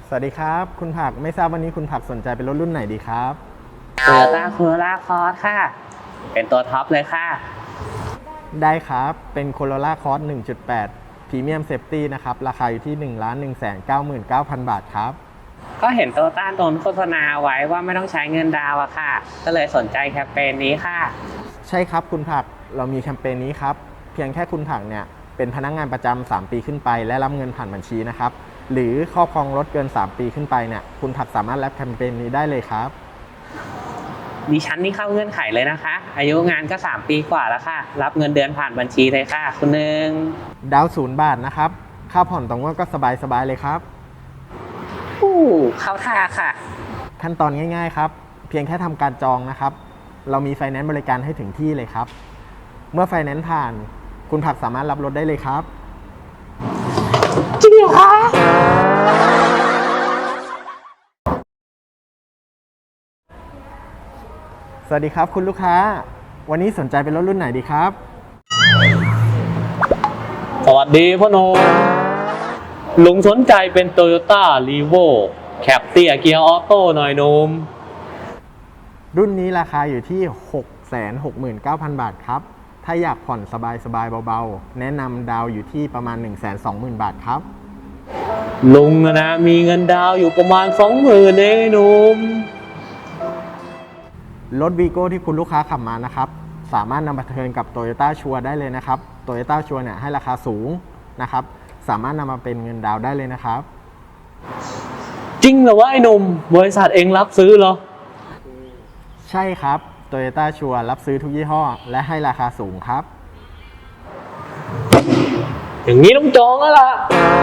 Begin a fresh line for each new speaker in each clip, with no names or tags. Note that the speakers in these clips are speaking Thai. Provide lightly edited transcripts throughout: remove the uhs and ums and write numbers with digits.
สวัสดีครับคุณผักไม่ทราบวันนี้คุณผักสนใจเป็นรถรุ่นไหนดีครับ
Toyota Corolla Cross ค่ะ เป็นตัวท็อปเลยค่ะ
ได้ครับเป็น Corolla Cross 1.8 Premium Safety นะครับราคาอยู่ที่ 1,199,000 บาทครับ
ก็เห็นโตโยต้าโดนโฆษณาไว้ว่าไม่ต้องใช้เงินดาวน์อะค่ะ ก็เลยสนใจแคมเปญนี้ค่ะ
ใช่ครับคุณผักเรามีแคมเปญนี้ครับเพียงแค่คุณผักเนี่ยเป็นพนักงานประจำ3 ปีขึ้นไปและรับเงินผ่านบัญชีนะครับหรือครอบครองรถเกิน3 ปีขึ้นไปเนี่ยคุณผักสามารถรับแคมเปญนี้ได้เลยครับ
ดิฉันนี่เข้าเงื่อนไขเลยนะคะ อายุงานก็3 ปีกว่าแล้วค่ะ รับเงินเดือนผ่านบัญชีเลยค่ะ คุณหนึ่ง
ดาว0 บาทนะครับค่าผ่อนต่องวดก็สบายเลยครับ
เข้าท่าค่ะ
ขั้นตอนง่ายๆครับเพียงแค่ทำการจองนะครับเรามีไฟแนนซ์บริการให้ถึงที่เลยครับเมื่อไฟแนนซ์ผ่านคุณผักสามารถรับรถได้เลยครับ
จริงเหรอคะ
สวัสดีครับคุณลูกค้าวันนี้สนใจเป็นรถรุ่นไหนดีครับ
สวัสดีพ่อโนลุงสนใจเป็น Toyota Revo แคปเตียเกียร์ออโต้หน่อยนุ่ม
รุ่นนี้ราคาอยู่ที่ 669,000 บาทครับถ้าอยากผ่อนสบายเบาๆแนะนำดาวอยู่ที่ประมาณ 120,000 บาทครับ
ลุงนะมีเงินดาวอยู่ประมาณ 20,000 เองหนุ่ม
รถวีโก้ที่คุณลูกค้าขับมานะครับสามารถนำมาเทิร์นกับ Toyota ชัวร์ได้เลยนะครับ Toyota ชัวร์เนี่ยให้ราคาสูงนะครับสามารถนำมาเป็นเงินดาวได้เลยนะครับ
จริงเหรอวะไอ้หนุ่มบริษัทเองรับซื้อเหรอ
ใช่ครับ Toyota ชัวร์รับซื้อทุกยี่ห้อและให้ราคาสูงครับ
อย่างนี้ต้องจองแล้วล่ะ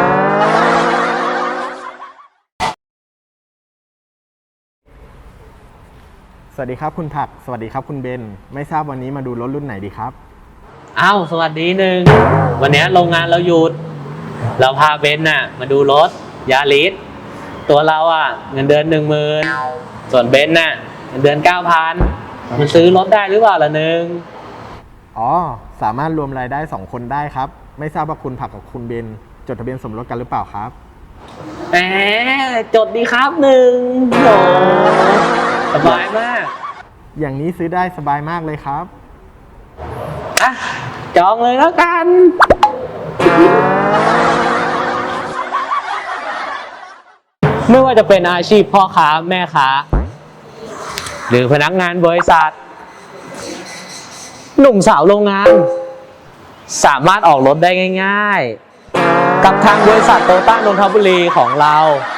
สวัสดีครับคุณผักสวัสดีครับคุณเบนไม่ทราบวันนี้มาดูรถรุ่นไหนดีครับ
อ้าวสวัสดีหนึ่งวันนี้โรงงานเราหยุดเราพาเบนน่ะมาดูรถยาริสตัวเราอ่ะเงินเดือน 10,000ส่วนเบนน่ะเงินเดือน 9,000มันซื้อรถได้หรือเปล่าล่ะหนึ่ง
อ๋อสามารถรวมรายได้2 คนได้ครับไม่ทราบว่าคุณผักกับคุณเบนจดทะเบียนสมรสกันหรือเปล่าครับ
แหมจดดีครับหนึ่งโหสบายมาก
อย่างนี้ซื้อได้สบายมากเลยครับ
อ่ะจองเลยแล้วกันไม่ว่าจะเป็นอาชีพพ่อค้าแม่ค้าหรือพนักงานบริษัทหนุ่มสาวโรงงานสามารถออกรถได้ง่ายๆกับทางบริษัทโตต้านนทบุรีของเรา